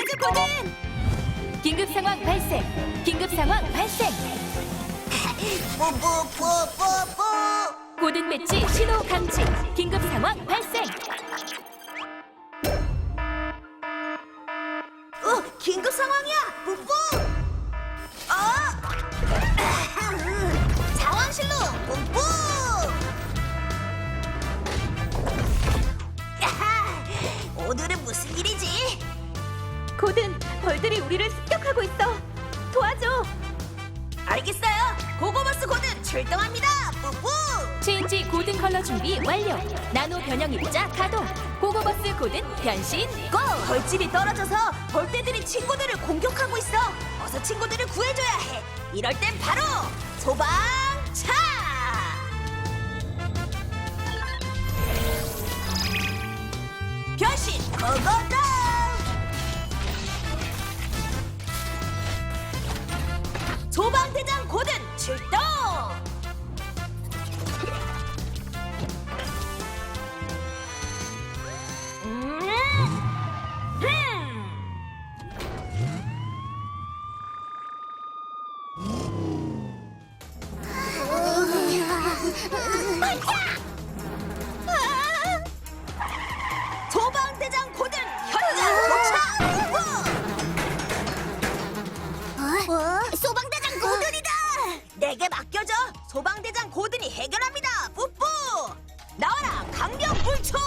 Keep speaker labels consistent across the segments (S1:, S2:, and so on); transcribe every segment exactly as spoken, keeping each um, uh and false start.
S1: 도와줘 고든! 긴급 상황 발생! 긴급 상황 발생!
S2: 뿌뿌뿌뿌뿌.
S1: 고든 배치 신호 감지! 긴급 상황 발생!
S2: 어, 긴급 상황이야. 뿌뿌. 어? 상황실로 뿌뿌. 야하, 오늘은 무슨 일이지?
S1: 고든, 벌들이 우리를 습격하고 있어! 도와줘!
S2: 알겠어요. 고고버스 고든 출동합니다. 뿌뿌.
S1: 체인지 고든 컬러 준비 완료! 나노 변형 입자 가동! 고고버스 고든 변신 고!
S2: 벌집이 떨어져서 벌떼들이 친구들을 공격하고 있어. 어서 친구들을 구해줘야 해. 이럴 땐 바로 소방차. 변신 고고고. 소방대장 고든 출동. 음. 음. 소방대장 고든 현장 도착! 어? 소방대장 고든이다! 내게 맡겨줘! 소방대장 고든이 해결합니다! 뿌뿌! 나와라 강력 불초!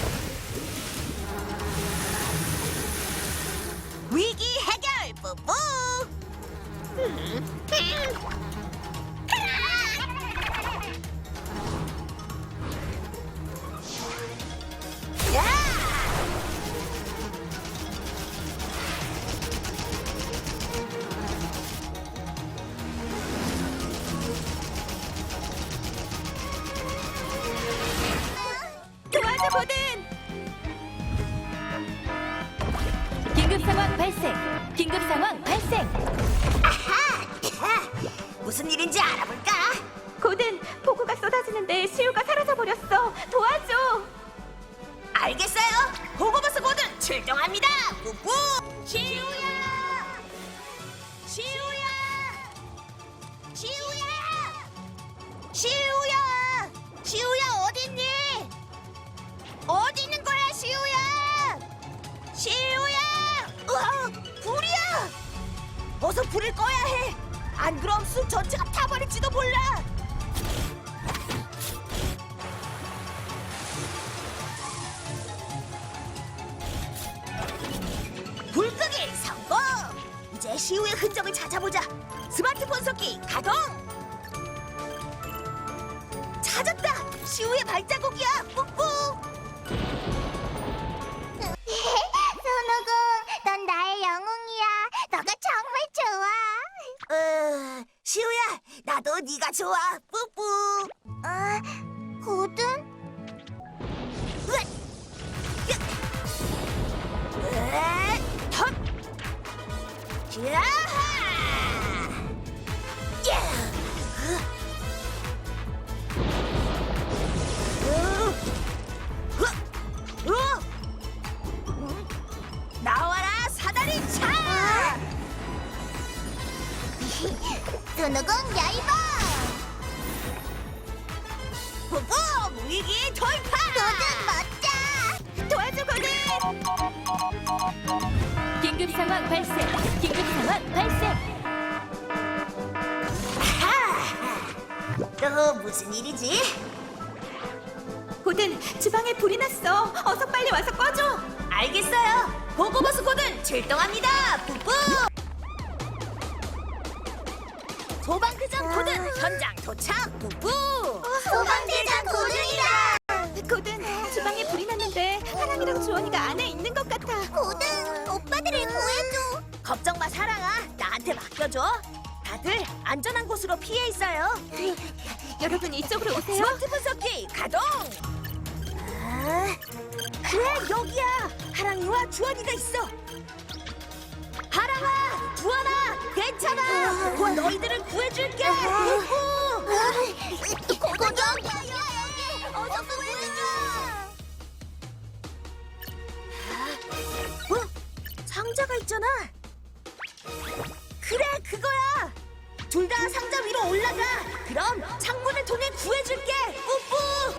S2: 위기 해결! 뿌뿌! 야!
S1: 도와줘 고든! 긴급 상황 발생! 긴급 상황 발생!
S2: 아하! 무슨 일인지 알아볼까?
S1: 고든, 폭우가 쏟아지는데 시우가 사라져 버렸어. 도와줘.
S2: 알겠어요. 고고버스 고든 출동합니다. 뿌뿌. 시우야. 시우야. 시우야. 시우야. 시우야 어딨니? 어디 있는 거야 시우야? 시우야. 으아, 불이야. 어서 불을 꺼야 해. 안 그럼 숲 전체가 타버릴지도 몰라. 불끄기 성공! 이제 시우의 흔적을 찾아보자. 스마트폰 섞기 가동! 찾았다! 시우의 발자국이야! 뿌뿌!
S3: 손오공, 넌 나의 영웅이야. 너가 정말 좋아.
S2: 어, 시우야, 나도 네가 좋아. 뿌뿌!
S3: 어, 고든?
S2: 으악! 으악! 으악! 헛! 야하! 야! 으! 으! 으! 음? 나와라 사다리 차!
S3: 손오공 야이바!
S2: 후보 위기 돌파!
S3: 고든 멋져!
S1: 도와줘 고든! 긴급 상황 발생! 긴급 상황 발생!
S2: 아하! 또 무슨 일이지?
S1: 고든, 주방에 불이 났어. 어서 빨리 와서 꺼줘.
S2: 알겠어요. 고고버스 고든 출동합니다. 뿌뿌. 소방대장 고든 현장 도착. 뿌뿌.
S3: 소방대장 고든이다!
S1: 고든, 주방에 불이 났는데 하랑이랑 주원이가 안에 있는 것 같아.
S3: 고든, 오빠들을 구해줘!
S2: 걱정 마 사랑아. 나한테 맡겨줘. 다들 안전한 곳으로 피해 있어요.
S1: 여러분 이쪽으로 오세요.
S2: 스마트폰 섞기 가동. 아, 그래 여기야. 하랑이와 주원이가 있어. 하랑아, 주원아, 괜찮아. 곧 너희들을 구해줄게. 뿌뿌.
S3: 고든! 어서 구해줘!
S2: 어? 상자가 있잖아. 그래, 그거야. 둘 다 상자 위로 올라가. 그럼 창문을 통해 구해줄게. 뿌뿌.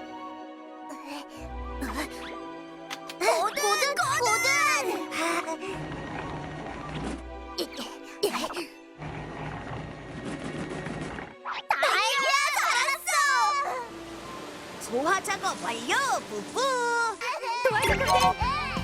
S3: 고든, 고든! 다행이야, 살았어!
S2: 소화 작업 완료. 뿌뿌.
S1: 도와줘,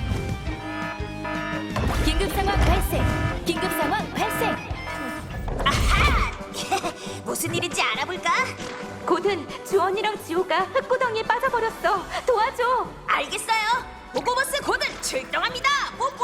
S1: 고든! 긴급 상황 발생! 긴급 상황 발생!
S2: 아하! 무슨 일인지 알아볼까?
S1: 고든, 주원이랑 지호가 흙구덩이에 빠져버렸어. 도와줘!
S2: 알겠어요. 보고버스 고든 출동합니다. 뿌뿌.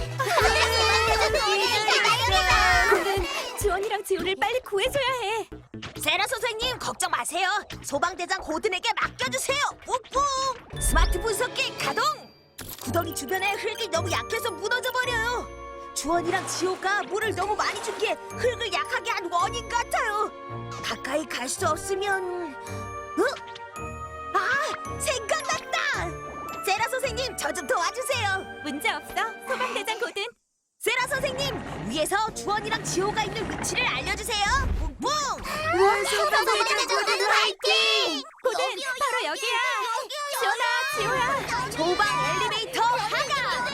S1: 고든, 주원이랑 지호를 빨리 구해줘야 해.
S2: 세라 선생님 걱정 마세요. 소방대장 고든에게 맡겨주세요. 뿌뿌. 스마트 분석기 가동. 구덩이 주변에 흙이 너무 약해서 무너져 버려요. 주원이랑 지호가 물을 너무 많이 준 게 흙을 약하게 한 원인 같아요. 가까이 갈 수 없으면 어? 아, 생각났다. 세라 선생님 저 좀 도와주세요.
S1: 문제 없어, 소방대장 고든.
S2: 세라 선생님 위에서 주원이랑 지호가 있는 위치를 알려주세요. 뿡뿡.
S3: 소방대장 고든 화이팅!
S1: 고든, 바로 여기야. 지원아, 지호야.
S2: 소방 엘리베이터 하강.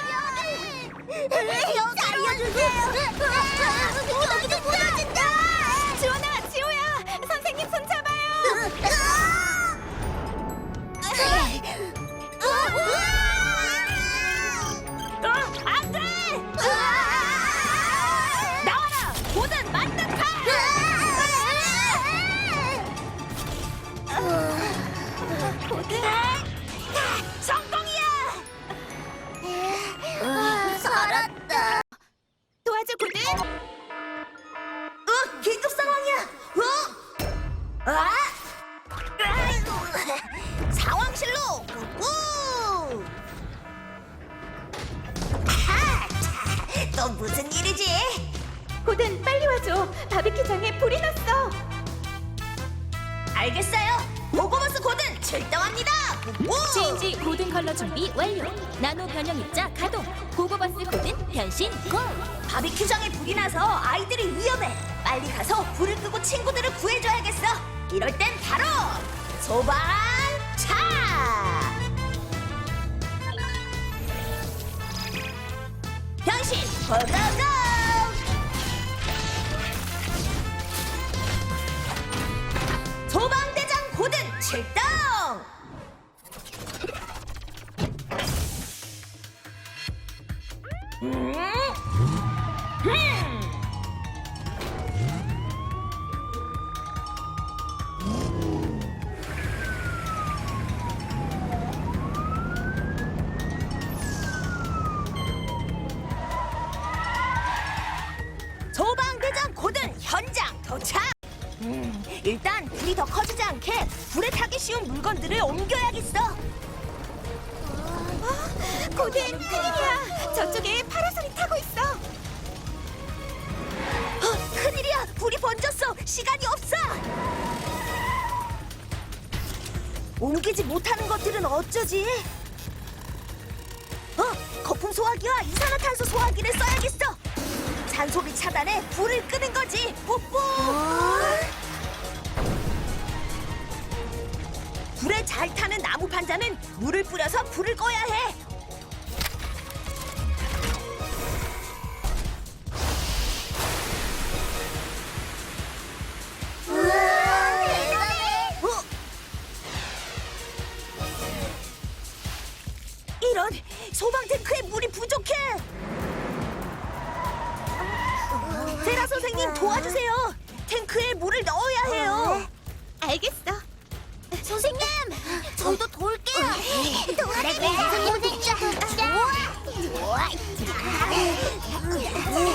S3: 살려주세요! 여기도 무너진다!
S1: 지원아, 지호야. 선생님 손 잡아요.
S2: 어, 안 돼! 나와라! 고든 만능파!
S1: 고든.
S2: 성공이야!
S3: 살았다.
S1: 도와줘, 고든.
S2: 어, 긴급 상황이야! 어? 아! 아이고, 상황실로! 우! 아하! 자, 또 무슨 일이지?
S1: 고든, 빨리 와줘. 바비큐장에 불이 났어.
S2: 알겠어요. 보고버스 고든 출동합니다. 우!
S1: 지인지 고든 컬러 준비 완료. 나노 변형 입자 가동. 고고버스 고든 변신 고.
S2: 바비큐장에 불이 나서 아이들이 위험해. 빨리 가서 불을 끄고 친구들을 구해줘야겠어. 이럴 땐 바로 소방차. 변신 고고고. 소방대장 고든 출동. 음? 음. 소방대장 고든 현장 도착. 음, 일단 불이 더 커지지 않게 불에 타기 쉬운 물건들을 옮겨야겠어.
S1: 고든, 큰일이야. 저쪽에 파라솔이 타고 있어.
S2: 어, 큰일이야. 불이 번졌어. 시간이 없어. 옮기지 못하는 것들은 어쩌지? 어, 거품 소화기와 이산화탄소 소화기를 써야겠어. 잔소리 차단에 불을 끄는 거지. 뽀뽀. 불에 잘 타는 나무 판자는 물을 뿌려서 불을 꺼야 해. 어? 이런, 소방 탱크에 물이 부족해. 세라 선생님 도와주세요. 탱크에 물을 넣어야 해요.
S1: 알겠어.
S3: 선생님, 저희도 도울게요. 도와주세요. 선생님, 좋아. 좋아.